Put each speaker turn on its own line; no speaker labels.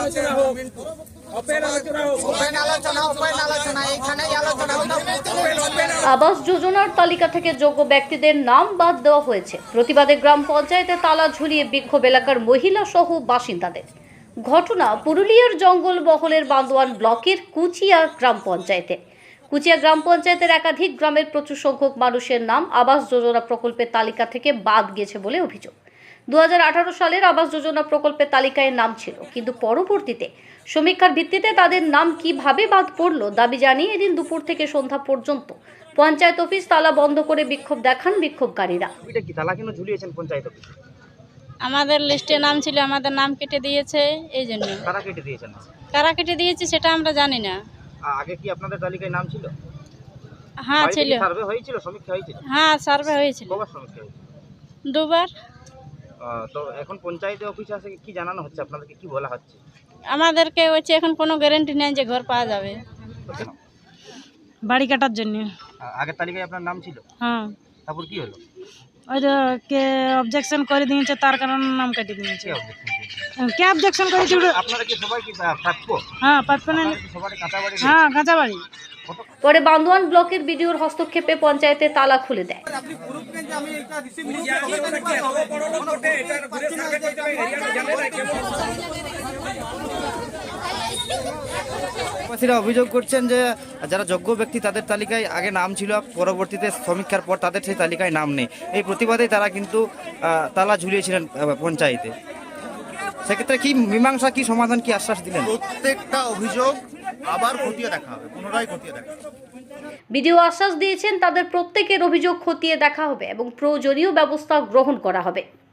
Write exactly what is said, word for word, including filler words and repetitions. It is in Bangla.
আবাস যোজনার তালিকা থেকে যোগ্য ব্যক্তিদের নাম বাদ দেওয়া হয়েছে। প্রতিবাদে গ্রাম পঞ্চায়েতে তালা ঝুলিয়ে বিক্ষোভ এলাকার মহিলা সহ বাসিন্দাদের। ঘটনা পুরুলিয়ার জঙ্গল মহলের বান্দোয়ান ব্লকের কুচিয়া গ্রাম পঞ্চায়েতে। কুচিয়া গ্রাম পঞ্চায়েতের একাধিক গ্রামের প্রচুর সংখ্যক মানুষের নাম আবাস যোজনা প্রকল্পের তালিকা থেকে বাদ গেছে বলে অভিযোগ। দু হাজার আঠারো সালের আবাস যোজনা প্রকল্পের তালিকায় নাম ছিল, কিন্তু পরবর্তীতে সমীক্ষার ভিত্তিতে তাদের নাম কিভাবে বাদ পড়লো দাবি জানিয়ে এদিন দুপুর থেকে সন্ধ্যা পর্যন্ত পঞ্চায়েত অফিস তালা বন্ধ করে বিক্ষোভ দেখান বিক্ষোভকারীরা।
আমাদের লিস্টে নাম ছিল, আমাদের নাম কেটে দিয়েছে, এই জন্য।
কারা কেটে দিয়েছেন?
কারা কেটে দিয়েছে সেটা আমরা জানি না।
আগে কি আপনাদের তালিকায় নাম ছিল?
হ্যাঁ ছিল।
সার্ভে হয়েছিল, সমীক্ষা হয়েছিল?
হ্যাঁ সার্ভে হয়েছিল।
কবার সমীক্ষা হয়েছিল?
দুবার।
তো এখন পঞ্চায়েতে অফিসে এসে কি জানানো হচ্ছে, আপনাদেরকে কি বলা হচ্ছে?
আমাদেরকে হচ্ছে এখন কোনো গ্যারান্টি নেই যে ঘর পাওয়া যাবে। বাড়ি কাটার জন্য।
আগের তালিকায় আপনার নাম ছিল?
হ্যাঁ।
তারপর কি হলো?
ওই কে অবজেকশন করে দিয়েছে, তার কারণে নাম কেটে দিয়েছে। কে অবজেকশন করেছে?
আপনারা কি সবাই কি প্রাপ্য?
হ্যাঁ প্রাপ্য না।
সবাই কাঁচা বাড়ি?
হ্যাঁ কাঁচা বাড়ি।
পরে বান্দোয়ান ব্লকের বিডিওর হস্তক্ষেপে পঞ্চায়েতে তালা খুলে দেয়।
অভিযোগ করছেন যে যারা যোগ্য ব্যক্তি তাদের তালিকায় আগে নাম ছিল, পরবর্তীতে সমীক্ষার পর তাদের সেই তালিকায় নাম নেই। এই প্রতিবাদেই তারা কিন্তু তালা ঝুলিয়েছিলেন পঞ্চায়েতে। সেক্ষেত্রে কি মীমাংসা, কি সমাধান, কি আশ্বাস দিলেন?
প্রত্যেকটা অভিযোগ আবার খতিয়ে দেখা হবে, পুনরায় খতিয়ে দেখা হবে।
বিডিও আশ্বাস দিয়েছেন তাদের প্রত্যেকের অভিযোগ খতিয়ে দেখা হবে এবং প্রয়োজনীয় ব্যবস্থা গ্রহণ করা হবে।